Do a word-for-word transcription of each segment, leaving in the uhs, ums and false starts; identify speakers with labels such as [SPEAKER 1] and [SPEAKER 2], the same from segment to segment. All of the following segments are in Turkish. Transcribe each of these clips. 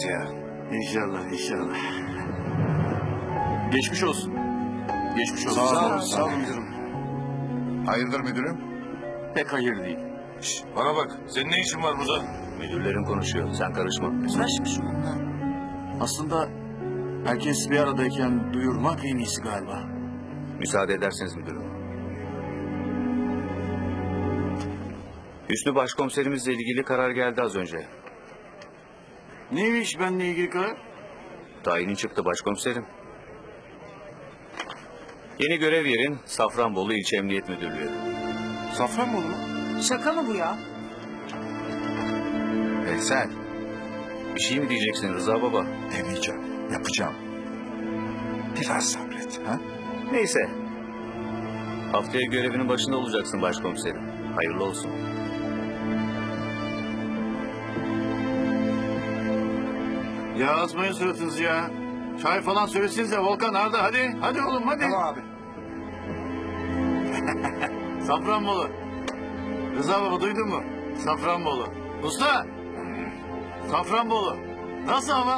[SPEAKER 1] hayırlısı ya.
[SPEAKER 2] İnşallah, inşallah. Geçmiş olsun. Geçmiş olsun.
[SPEAKER 1] Sağ olun,
[SPEAKER 2] olun,
[SPEAKER 1] sağ olun müdürüm. Hayırdır müdürüm?
[SPEAKER 2] Pek hayır değil.
[SPEAKER 3] Şişt, bana bak. Senin ne işin var burada?
[SPEAKER 2] Müdürlerin konuşuyor. Sen karışma.
[SPEAKER 4] Uğraşmış onunla.
[SPEAKER 2] Aslında herkes bir aradayken duyurmak en iyisi galiba.
[SPEAKER 5] Müsaade ederseniz müdürüm. Hüsnü başkomiserimizle ilgili karar geldi az önce.
[SPEAKER 2] Neymiş benimle ilgili karar?
[SPEAKER 5] Tayinin çıktı başkomiserim. Yeni görev yerin Safranbolu İlçe Emniyet Müdürlüğü.
[SPEAKER 2] Safranbolu mu?
[SPEAKER 4] Şaka mı bu ya?
[SPEAKER 5] Veysel. Bir şey mi diyeceksin Rıza Baba?
[SPEAKER 1] Demeyeceğim, yapacağım. Biraz sabret. Ha?
[SPEAKER 5] Neyse. Haftaya görevinin başında olacaksın başkomiserim. Hayırlı olsun.
[SPEAKER 2] Ya asmayın suratınızı ya. Çay falan söylesinize Volkan Arda hadi. Hadi oğlum hadi.
[SPEAKER 1] Tamam abi.
[SPEAKER 2] Safranbolu. Rıza Baba duydun mu? Safranbolu. Usta. Safranbolu. Nasıl hava?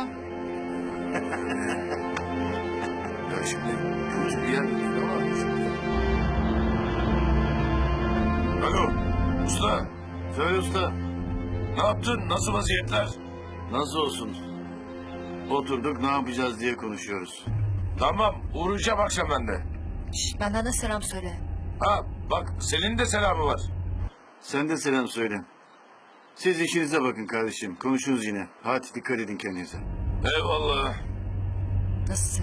[SPEAKER 1] Ya şimdi kötü bir yer değil ama şimdi.
[SPEAKER 3] Alo. Usta.
[SPEAKER 2] Söyle usta.
[SPEAKER 3] Ne yaptın? Nasıl vaziyetler?
[SPEAKER 2] Nasıl olsun? Oturduk ne yapacağız diye konuşuyoruz.
[SPEAKER 3] Tamam. Uğrayacağım akşam ben de.
[SPEAKER 4] Şş, benden de selam söyle.
[SPEAKER 3] Ha bak Selin'in de selamı var.
[SPEAKER 2] Sen de selam söyle. Siz işinize bakın kardeşim. Konuşuruz yine. Hadi dikkat edin kendinize.
[SPEAKER 3] Eyvallah.
[SPEAKER 4] Nasıl